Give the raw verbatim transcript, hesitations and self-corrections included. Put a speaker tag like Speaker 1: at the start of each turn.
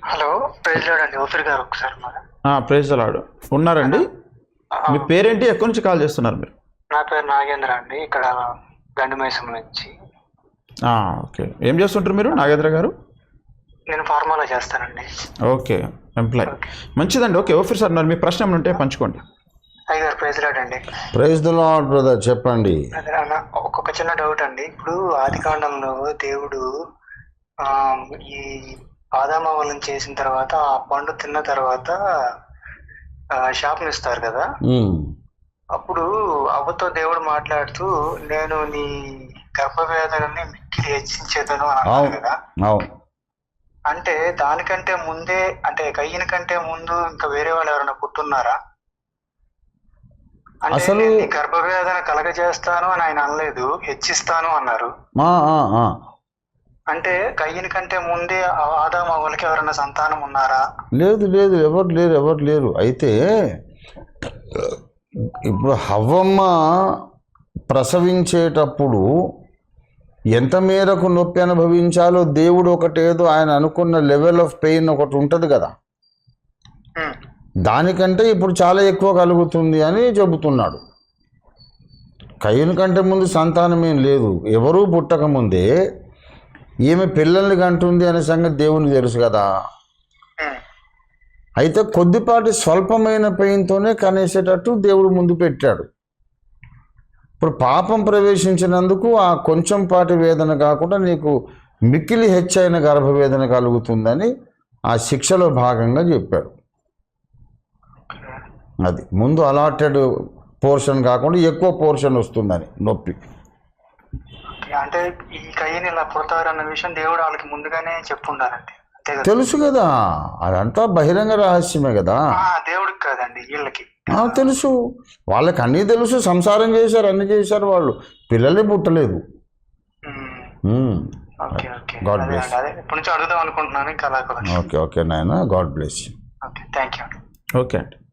Speaker 1: Hello, praise lord అండి. ఓఫీర్ గారు ఒకసారి మరి.
Speaker 2: ప్రైజ్ లార్డ్ ఉన్నారండి. మీ పేరేంటి, ఎక్కడి నుంచి కాల్ చేస్తున్నారు మీరు?
Speaker 1: నా పేరు నాగేంద్ర అండి, ఇక్కడ గండిమైసం నుంచి.
Speaker 2: ఓకే, ఏం చేస్తుంటారు మీరు నాగేంద్ర గారు?
Speaker 1: నేను ఫార్మాలో చేస్తానండి.
Speaker 2: Okay, employee. మంచిదండి. ఓకే, ఓఫీర్ సార్ ఉన్నారు, మీ ప్రశ్న ఏమైనా ఉంటే పంచుకోండి.
Speaker 1: అయ్యారు ప్రైజ్ లార్డ్ అండి.
Speaker 3: ప్రైజ్ ది లార్డ్ బ్రదర్, చెప్పండి.
Speaker 1: ఒక్కొక్క చిన్న డౌట్ అండి. ఇప్పుడు ఆది కాండంలో దేవుడు ఆ ఈ ఆదామవలను చేసిన తర్వాత ఆ పండు తిన్న తర్వాత శాపం ఇస్తారు కదా. అప్పుడు అవ్వతో దేవుడు మాట్లాడుతూ నేను నీ గర్భవేదనని మిక్కిలి హెచ్చించేదను అని అన్నారు కదా. అంటే దానికంటే ముందే, అంటే కయ్యన కంటే ముందు ఇంకా వేరే వాళ్ళు ఎవరైనా పుట్టున్నారా? అసలు గర్భవేదన కలగజేస్తాను అని ఆయన అనలేదు, హెచ్చిస్తాను అన్నారు. అంటే కయ్యని కంటే ముందే ఆదాము అవ్వలకి ఎవరైనా సంతానం ఉన్నారా?
Speaker 3: లేదు లేదు, ఎవరు లేరు, ఎవరు లేరు. అయితే ఇప్పుడు హవ్వమ్మ ప్రసవించేటప్పుడు ఎంత మేరకు నొప్పి అనుభవించాలో దేవుడు ఒకటేదో ఆయన అనుకున్న లెవెల్ ఆఫ్ పెయిన్ ఒకటి ఉంటుంది కదా, దానికంటే ఇప్పుడు చాలా ఎక్కువ కలుగుతుంది అని చెబుతున్నాడు. కయ్యని కంటే ముందు సంతానం ఏం లేదు, ఎవరూ పుట్టకముందే ఈమె పిల్లల్ని కంటుంది అనే సంగతి దేవునికి తెలుసు కదా. అయితే కొద్దిపాటి స్వల్పమైన పెయిన్తోనే కనేసేటట్టు దేవుడు ముందు పెట్టాడు. ఇప్పుడు పాపం ప్రవేశించినందుకు ఆ కొంచెం పాటి వేదన కాకుండా నీకు మిక్కిలి హెచ్చైన గర్భవేదన కలుగుతుందని ఆ శిక్షలో భాగంగా చెప్పాడు. అది ముందు అలాటెడ్ పోర్షన్ కాకుండా ఎక్కువ పోర్షన్ వస్తుందని నొప్పి.
Speaker 1: అంటే ఈ కయ్యని ఇలా పుడతారన్న విషయం దేవుడు వాళ్ళకి ముందుగానే చెప్పుండాలండి.
Speaker 3: తెలుసు కదా, అదంతా బహిరంగ రహస్యమే కదా.
Speaker 1: దేవుడికి కాదండి, వీళ్ళకి
Speaker 3: తెలుసు, వాళ్ళకి అన్నీ తెలుసు. సంసారం చేశారు, అన్ని చేశారు, వాళ్ళు పిల్లలే పుట్టలేదు. God bless.
Speaker 1: ఇప్పటి నుంచి అడుగుదాం అనుకుంటున్నాను. ఇంకా
Speaker 3: ఓకే ఓకే నాయన, God bless.
Speaker 1: Okay, thank you.
Speaker 2: Okay అండి.